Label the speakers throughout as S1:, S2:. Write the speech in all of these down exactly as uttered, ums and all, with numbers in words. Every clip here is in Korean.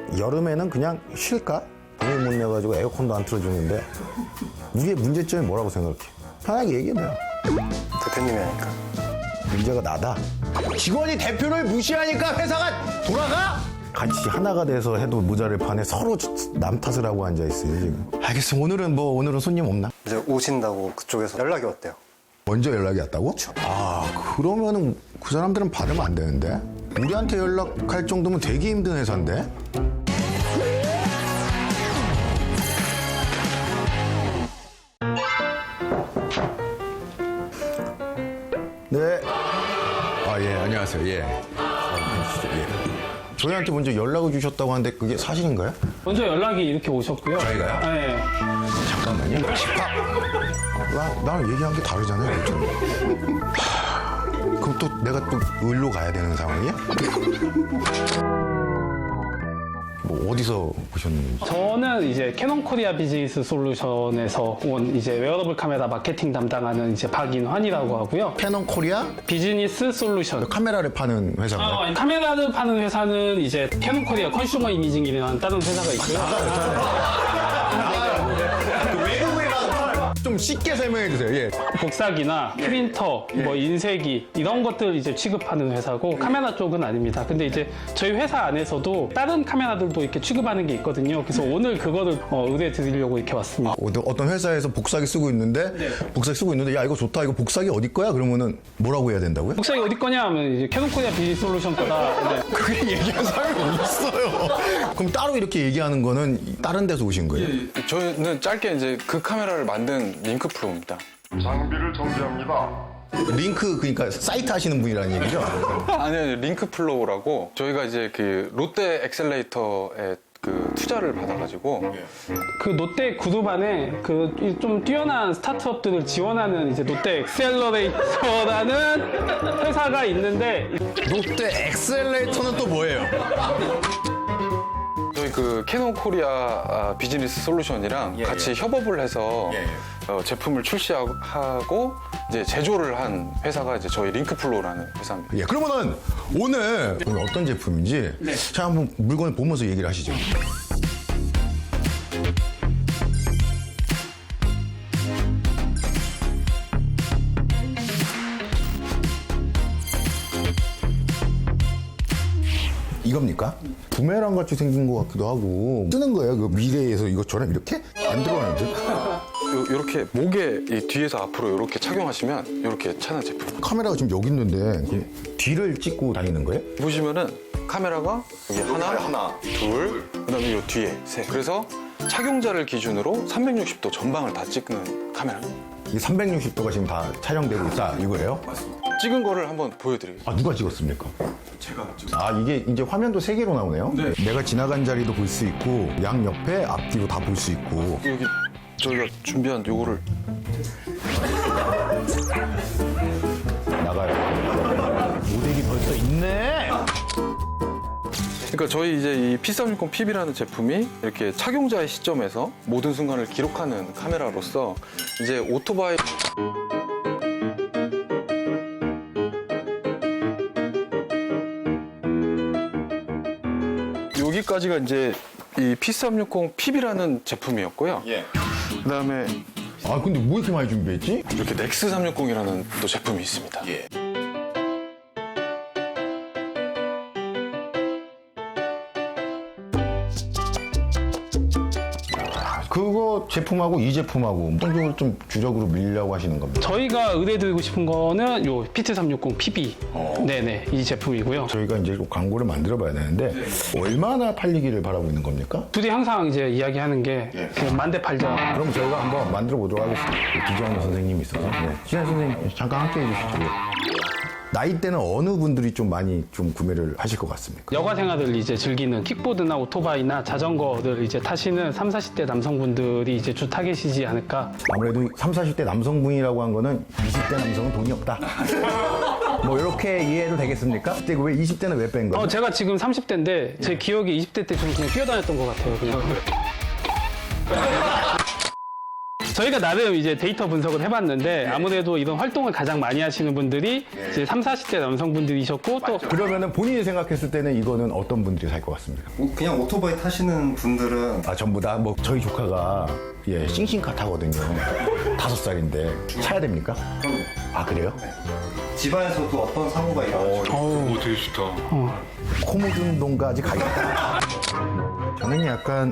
S1: 여름에는 그냥 쉴까? 돈을 못 내가지고 에어컨도 안 틀어주는데 우리의 문제점이 뭐라고 생각해? 편하게 얘기해봐요.
S2: 대표님이 하니까.
S1: 문제가 나다. 직원이 대표를 무시하니까 회사가 돌아가? 같이 하나가 돼서 해도 모자를 파네. 서로 남 탓을 하고 앉아있어요 지금. 알겠어. 오늘은 뭐 오늘은 손님 없나?
S2: 이제 오신다고 그쪽에서 연락이 왔대요.
S1: 먼저 연락이 왔다고? 아 그러면은 그 사람들은 받으면 안 되는데? 우리한테 연락할 정도면 되게 힘든 회사인데? 네. 아, 예, 안녕하세요. 예. 아, 예. 저희한테 먼저 연락을 주셨다고 하는데 그게 사실인가요?
S3: 먼저 연락이 이렇게 오셨고요.
S1: 저희가요?
S3: 네.
S1: 잠깐만요. 나, 나랑 얘기한 게 다르잖아요. 지금. 하, 그럼 또 내가 또 을로 가야 되는 상황이야? 뭐 어디서 보셨는지.
S3: 저는 이제 캐논 코리아 비즈니스 솔루션에서 온 이제 웨어러블 카메라 마케팅 담당하는 이제 박인환이라고 하고요.
S1: 캐논 코리아
S3: 비즈니스 솔루션.
S1: 카메라를 파는 회사인가요?
S3: 아, 카메라를 파는 회사는 이제 캐논 코리아 컨슈머 이미징이라는 다른 회사가 있고요.
S1: 좀 쉽게 설명해 주세요. 예.
S3: 복사기나 프린터, 뭐 인쇄기 이런 것들 이제 취급하는 회사고 카메라 쪽은 아닙니다. 근데 이제 저희 회사 안에서도 다른 카메라들도 이렇게 취급하는 게 있거든요. 그래서 오늘 그거를 어, 의뢰 드리려고 이렇게 왔습니다.
S1: 어떤- 어떤 회사에서 복사기 쓰고 있는데 복사기 쓰고 있는데 야 이거 좋다 이거 복사기 어디 거야? 그러면은 뭐라고 해야 된다고요?
S3: 복사기 어디 거냐 하면 이제 캐논 코리아 비즈니스 솔루션 거다. 네.
S1: 그게 얘기한 사람이 없어요. 그럼 따로 이렇게 얘기하는 거는 다른 데서 오신 거예요?
S4: 저는 짧게 이제 그 카메라를 만든 링크 프로입니다.
S5: 장비를 정지합니다.
S1: 링크 그러니까 사이트 하시는 분이라는 얘기죠?
S4: 아니, 아니, 링크 플로우라고 저희가 이제 그 롯데 엑셀레이터에 그 투자를 받아가지고
S3: 그 롯데 그룹 안에 그 좀 뛰어난 스타트업들을 지원하는 이제 롯데 엑셀러레이터라는 회사가 있는데
S1: 롯데 엑셀레이터는 또 뭐예요?
S4: 저희 그 캐논 코리아 아, 비즈니스 솔루션이랑 같이 협업을 해서 어, 제품을 출시하고 이제 제조를 한 회사가 이제 저희 링크 플로우라는 회사입니다.
S1: 예, 그러면은 오늘, 오늘 어떤 제품인지 자 한번 물건을 보면서 얘기를 하시죠. 이겁니까? 부메랑 같이 생긴 것 같기도 하고 쓰는 거예요. 그 미래에서 이것처럼 이렇게 안 들어가는데
S4: 요, 요렇게 목에 이 뒤에서 앞으로 이렇게 착용하시면 이렇게 차는 제품.
S1: 카메라가 지금 여기 있는데 이 뒤를 찍고 다니는 거예요?
S4: 보시면은 카메라가 여기 하나, 하나, 둘, 그다음에 요 뒤에 셋. 그래서 착용자를 기준으로 삼백육십 도 전방을 다 찍는 카메라입니다.
S1: 이 삼백육십 도가 지금 다 촬영되고 있다 이거예요?
S4: 찍은 거를 한번 보여드리겠습니다.
S1: 아 누가 찍었습니까? 제가 아 이게 이제 화면도 세 개로 나오네요? 네. 내가 지나간 자리도 볼 수 있고 양 옆에 앞뒤로 다 볼 수 있고
S4: 여기 저희가 준비한 요거를
S1: 나가요. 모델이 벌써 있네.
S4: 그러니까 저희 이제 이 피 삼백육십 피비라는 제품이 이렇게 착용자의 시점에서 모든 순간을 기록하는 카메라로서 이제 오토바이 여기까지가 이제 이 피 삼백육십 피비라는 제품이었고요. 그다음에
S1: 아 근데 뭐 이렇게 많이 준비했지?
S4: 이렇게 넥스 삼백육십이라는 또 제품이 있습니다.
S1: 그거 제품하고 이 제품하고 어떤 쪽으로 좀 주력으로 밀려고 하시는 겁니다.
S3: 저희가 의뢰드리고 싶은 거는 요 피티 삼백육십 피비 네네 이 제품이고요.
S1: 저희가 이제 광고를 만들어 봐야 되는데 얼마나 팔리기를 바라고 있는 겁니까?
S3: 둘이 항상 이제 이야기하는 게 그냥 만대 팔자.
S1: 그럼 저희가 한번 만들어 보도록 하겠습니다. 기재환 선생님이 있어서. 네. 기재환 선생님 잠깐 함께 해주시죠. 나이대는 어느 분들이 좀 많이 좀 구매를 하실 것 같습니까?
S3: 여가 생활을 이제 즐기는 킥보드나 오토바이나 자전거를 이제 타시는 삼, 사십 대 남성분들이 이제 주 타겟이지 않을까.
S1: 아무래도 삼, 사십 대 남성분이라고 한 거는 이십 대 남성은 돈이 없다. 뭐 이렇게 이해해도 되겠습니까? 근데 왜 이십 대는 왜 뺀 거예요?
S3: 어, 제가 지금 삼십 대인데 제 기억에 이십 대 때 좀 그냥 뛰어다녔던 것 같아요. 그냥. 저희가 나름 이제 데이터 분석을 해봤는데 아무래도 이런 활동을 가장 많이 하시는 분들이 이제 삼, 사십 대 남성분들이셨고 또
S1: 그러면은 본인이 생각했을 때는 이거는 어떤 분들이 살 것 같습니까?
S2: 그냥 오토바이 타시는 분들은
S1: 아 전부 다 뭐 저희 조카가 예 싱싱카 타거든요. 다섯 살인데 차야 됩니까? 아 그래요?
S2: 집안에서도 어떤 사고가 일어나죠.
S4: 오, 되게 좋다.
S1: 코모준동까지 가겠다. 저는 약간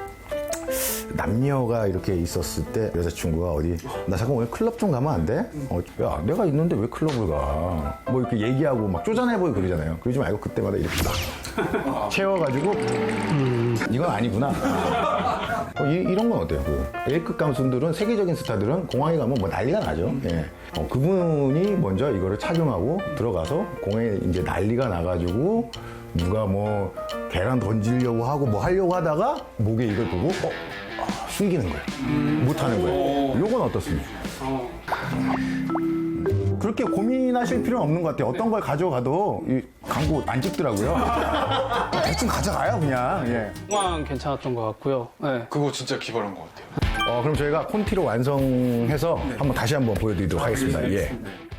S1: 남녀가 이렇게 있었을 때 여자친구가 어디 나 잠깐 오늘 클럽 좀 가면 안 돼? 어, 야 내가 있는데 왜 클럽을 가? 뭐 이렇게 얘기하고 막 쪼잔해보이고 그러잖아요. 그러지 말고 그때마다 이렇게 막 채워가지고 음, 이건 아니구나. 어, 이, 이런 건 어때요? 그 A급 감순들은 세계적인 스타들은 공항에 가면 뭐 난리가 나죠. 예. 어, 그분이 먼저 이거를 착용하고 들어가서 공항에 이제 난리가 나가지고 누가 뭐 계란 던지려고 하고 뭐 하려고 하다가 목에 이걸 보고 어? 아, 숨기는 거예요. 못하는 거예요. 요건 어떻습니까? 그렇게 고민하실 필요는 없는 것 같아요. 어떤 걸 가져가도 이 광고 안 찍더라고요. 대충 가져가요 그냥. 예.
S3: 공항 괜찮았던 것 같고요. 네.
S4: 그거 진짜 기발한 것 같아요.
S1: 어, 그럼 저희가 콘티로 완성해서 한번 다시 한번 보여드리도록 하겠습니다. 예.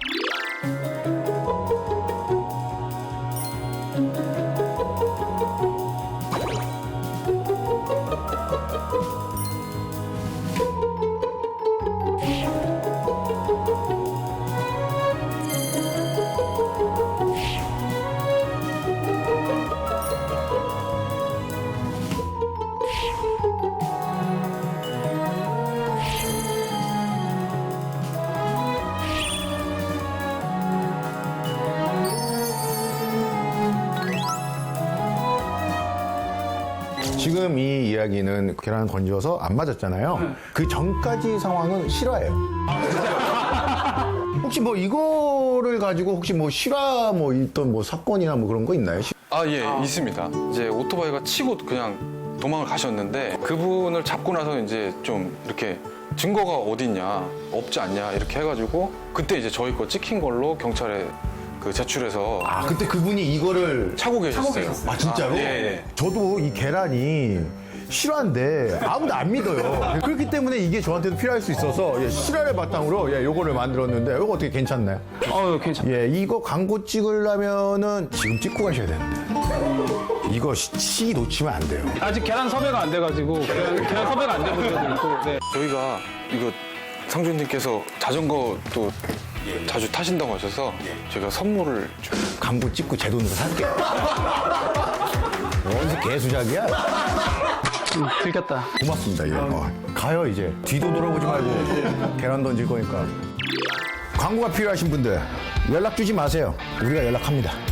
S1: 지금 이 이야기는 계란 건져서 안 맞았잖아요. 그 전까지 상황은 실화예요. 혹시 뭐 이거를 가지고 혹시 뭐 실화 뭐 있던 뭐 사건이나 뭐 그런 거 있나요?
S4: 아, 예, 있습니다. 이제 오토바이가 치고 그냥 도망을 가셨는데 그분을 잡고 나서 이제 좀 이렇게 증거가 어딨냐, 없지 않냐 이렇게 해가지고 그때 이제 저희 거 찍힌 걸로 경찰에 그 제출해서
S1: 아 그때 그분이 이거를
S4: 차고 계셨어요.
S1: 아 진짜로?
S4: 아, 예, 예.
S1: 저도 이 계란이 실화인데 아무도 안 믿어요. 그렇기 때문에 이게 저한테도 필요할 수 있어서 예, 실화를 바탕으로 예, 요거를 만들었는데 이거 어떻게 괜찮나요?
S3: 어, 괜찮아요.
S1: 예, 이거 광고 찍으려면은 지금 찍고 가셔야 되는데 이거 시, 시 놓치면 안 돼요.
S3: 아직 계란 섭외가 안 돼가지고 계란, 계란 섭외가 안 된 분들도 있고. 네.
S4: 저희가 이거 상주님께서 자전거 또 자주 타신다고 하셔서 제가 선물을 좀
S1: 광고 찍고 제 돈으로 살게. 어디서 개수작이야?
S3: 음, 들켰다.
S1: 고맙습니다. 예. 어, 가요 이제 뒤도 돌아보지 말고 계란 던질 거니까. 광고가 필요하신 분들 연락 주지 마세요. 우리가 연락합니다.